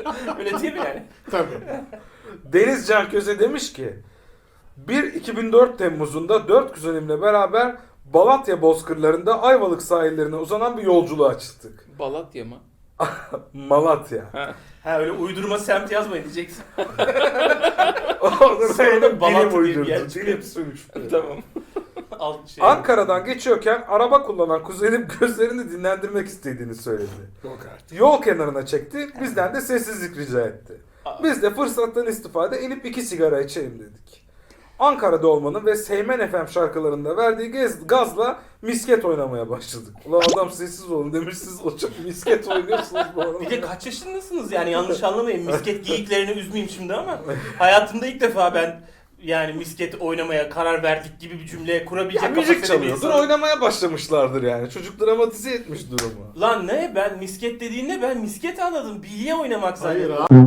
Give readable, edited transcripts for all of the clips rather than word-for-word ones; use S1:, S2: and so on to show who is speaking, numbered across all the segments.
S1: Öyle değil mi yani?
S2: Tabii.
S3: Deniz Can Köse demiş ki 2004 Temmuz'unda 4 kuzenimle beraber Balatya bozkırlarında Ayvalık sahillerine uzanan bir yolculuğa çıktık.
S4: Balatya mı?
S3: Malatya.
S1: Ha öyle uydurma semt yazmayın diyeceksin.
S3: Orada
S1: Sonra
S3: benim
S1: Balatya
S3: dilim
S1: diye bir
S3: uydurdu.
S1: yer çıkıyor.
S3: Dilim sürmüştü.
S4: Tamam.
S1: Alt şey.
S3: Ankara'dan geçiyorken araba kullanan kuzenim gözlerini dinlendirmek istediğini söyledi.
S2: Yok artık.
S3: Yol kenarına çekti, bizden de sessizlik rica etti. Biz de fırsattan istifade inip 2 sigara içelim dedik. Ankara'da olmanın ve Seymen FM şarkılarında verdiği gazla misket oynamaya başladık. Ulan adam sessiz olun demiş, siz o çok misket oynuyorsunuz bu arada.
S1: Bir de kaç yaşındasınız yani, yanlış anlamayın. Misket geyiklerini üzmeyeyim şimdi ama hayatımda ilk defa ben yani misket oynamaya karar verdik gibi bir cümle kurabilecek
S3: Ya, müzik
S1: kapasitede bir
S3: çalıyordur,
S1: insanım.
S3: oynamaya başlamışlardır yani. Çocuk dramatize etmiş durumu.
S1: Lan ne? Ben misket dediğinde ben misket anladım. Bilye oynamak
S2: Hayır
S1: zannediyorum.
S2: abi.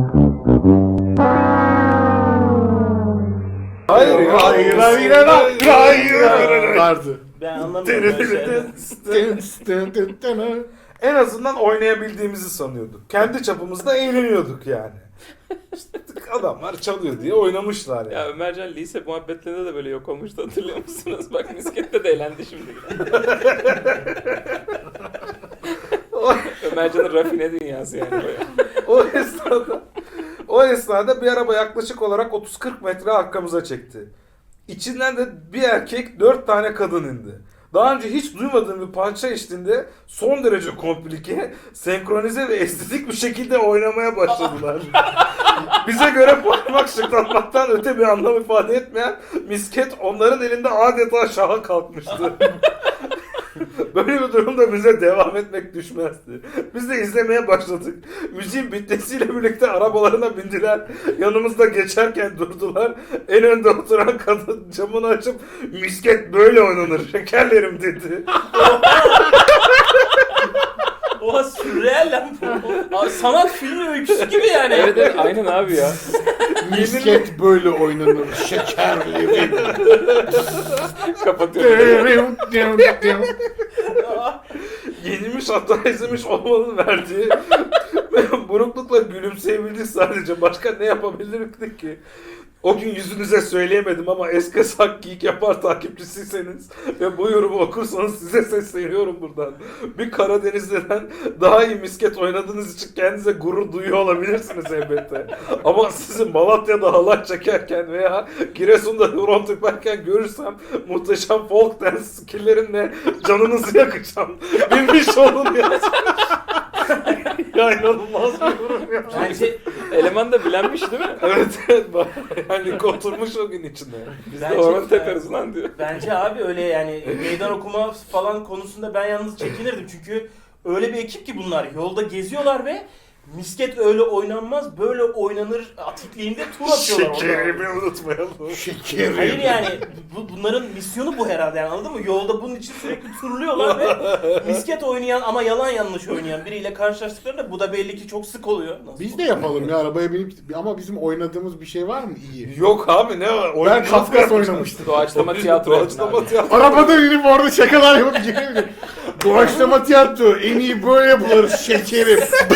S3: Hayır ya.
S2: Hayır. Vardı.
S1: Ben anlamıyorum böyle şeyler.
S3: En azından oynayabildiğimizi sanıyorduk. Kendi çapımızda eğleniyorduk yani. İşte adamlar çalıyor diye oynamışlar yani.
S4: Ya Ömercan lise muhabbetlerinde de böyle yok olmuştu, hatırlıyor musunuz? Bak miskette de eğlendi şimdi. Ömercan'ın rafine dünyası yani.
S3: O esnada bir araba yaklaşık olarak 30-40 metre arkamıza çekti. İçinden de bir erkek 4 tane kadın indi. Daha önce hiç duymadığım bir parça eşliğinde son derece komplike, senkronize ve estetik bir şekilde oynamaya başladılar. Bize göre parmak şıklatmaktan öte bir anlam ifade etmeyen misket onların elinde adeta şaha kalkmıştı. Böyle bir durumda bize devam etmek düşmezdi. Biz de izlemeye başladık. Müziğin bitmesiyle birlikte arabalarına bindiler. Yanımızda geçerken durdular. En önde oturan kadın camını açıp misket böyle oynanır şekerlerim dedi.
S1: Oha sürreel lan bu. Abi, sanat filmi öyküsü gibi yani.
S4: Evet evet aynen abi ya.
S2: Misket böyle oynanır. Şekerli.
S4: Kapatıyorum.
S3: Yenilmiş hata izlemiş olmanın verdiği buruklukla gülümseyebildik sadece. Başka ne yapabilirdik ki? O gün yüzünüze söyleyemedim ama eski sak geek yapar takipçisiyseniz ve bu yorumu okursanız size sesleniyorum buradan. Bir Karadenizli'den daha iyi misket oynadığınız için kendinize gurur duyuyor olabilirsiniz elbette. Ama sizi Malatya'da halay çekerken veya Giresun'da horon teperken görürsem muhteşem folk dance skillerinle canınızı yakacağım. Bilmiş olun ya. Ya inanılmaz bir yorum ya.
S1: Bence,
S4: Eleman da bilenmiş değil mi?
S3: Evet yani oturmuş o gün içinde.
S4: Biz de horon teperiz lan diyor.
S1: bence abi öyle yani meydan okuma falan konusunda ben yalnız çekinirdim. Çünkü öyle bir ekip ki bunlar. Yolda geziyorlar ve misket öyle oynanmaz, böyle oynanır atikliğinde tur atıyorlar orada.
S3: Şekerimi unutmayalım.
S2: Şekerim.
S1: Hayır yani bunların misyonu bu herhalde yani, anladın mı? Yolda bunun için sürekli turluyorlar ve misket oynayan ama yalan yanlış oynayan biriyle karşılaştıklarında bu da belli ki çok sık oluyor. Nasıl
S2: Biz de yapalım ya, arabaya binip, ama bizim oynadığımız bir şey var mı iyi?
S3: Yok abi ne var?
S2: Ben Kafkas oynamıştım.
S4: Doğaçlama tiyatro.
S3: Doğaçlama tiyatro.
S2: Arabadan inip orada şakalar yapıp gelebilirim. Doğaçlama tiyatro en iyi böyle yapılır şekerim.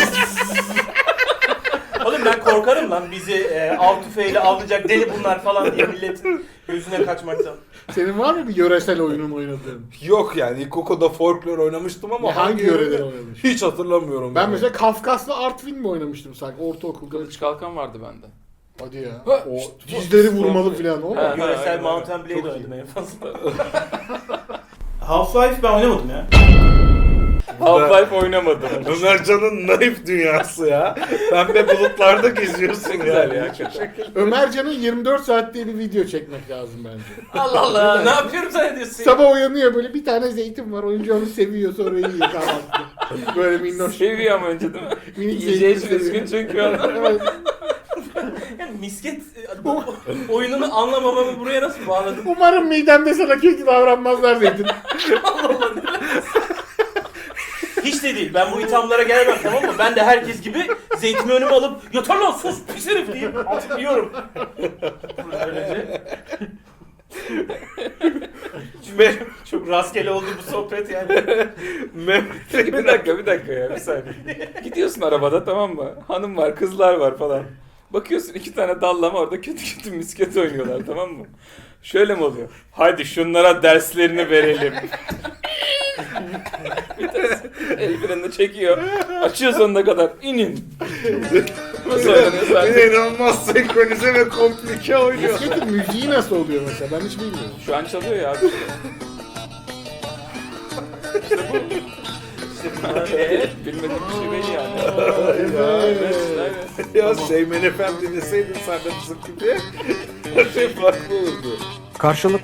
S1: Oğlum ben korkarım lan bizi av tüfeğiyle avlayacak deli bunlar falan diye milletin gözüne kaçmaktan.
S2: Senin var mı bir yöresel oyunun oynadığın?
S3: Yok yani ilkokulda folklor oynamıştım ama
S2: Hangi yöreden oynamış?
S3: hiç hatırlamıyorum.
S2: Ben
S3: yani.
S2: mesela Kafkaslı Artvin mi oynamıştım sanki ortaokulda?
S4: Kılıç kalkan vardı bende.
S2: Hadi ya.
S4: Ha,
S2: O
S4: işte bu-
S2: dizleri vurmalı falan o mu?
S4: Ha.
S1: Yöresel
S4: aynen.
S1: Mountain Blade
S2: Çok
S1: oynadım
S2: iyi.
S1: en fazla. Half-Life ben oynamadım ya.
S4: Half-Life oynamadım.
S3: Ömercan'ın naif dünyası ya. Pembe bulutlarda geziyorsun ya.
S4: Güzel ya hakikaten.
S2: Ömercan'ın 24 saat diye bir video çekmek lazım bence.
S1: Allah Allah ne yapıyorum zannediyorsun?
S2: Sabah uyanıyor böyle, bir tane zeytin var, oyuncu onu seviyor, sonra yiyor kahvaltıda. Böyle minnoş.
S4: Seviyor ama önce değil mi?
S2: Minik
S4: Yiyeceği
S2: zeytin
S4: için üzgün
S2: seviyor.
S4: çünkü onlar.
S2: Evet.
S1: Yani misket oyununu anlamamamı buraya nasıl bağladın?
S2: Umarım midemde sana kötü davranmazlar zeytin.
S1: Hiç de değil. Ben bu ithamlara gelemem, tamam mı? Ben de herkes gibi zeytimi önüme alıp yeter lan sus pis herif deyip artık yiyorum. Böylece. Çok rastgele oldu bu sohbet yani.
S3: Mehmet
S4: Bir dakika ya bir saniye. Gidiyorsun arabada tamam mı? Hanım var, kızlar var falan. Bakıyorsun 2 tane dallama orada kötü kötü misket oynuyorlar tamam mı? Şöyle mi oluyor? Hadi şunlara derslerini verelim. Bir tanesi el frenini çekiyor. Açıyor sonuna kadar. İnin. Nasıl oynanıyor zaten?
S3: İnanılmaz senkronize ve komplike oynuyor.
S2: Misketin müziği nasıl oluyor mesela? Ben hiç bilmiyorum.
S4: Şu an çalıyor ya abi. Bilmediğim bir şey değil yani. Evet, evet.
S3: Ya Seymen Efendi deseydin sen de bizim gibi her şey farklı olurdu.
S5: Karşılıklı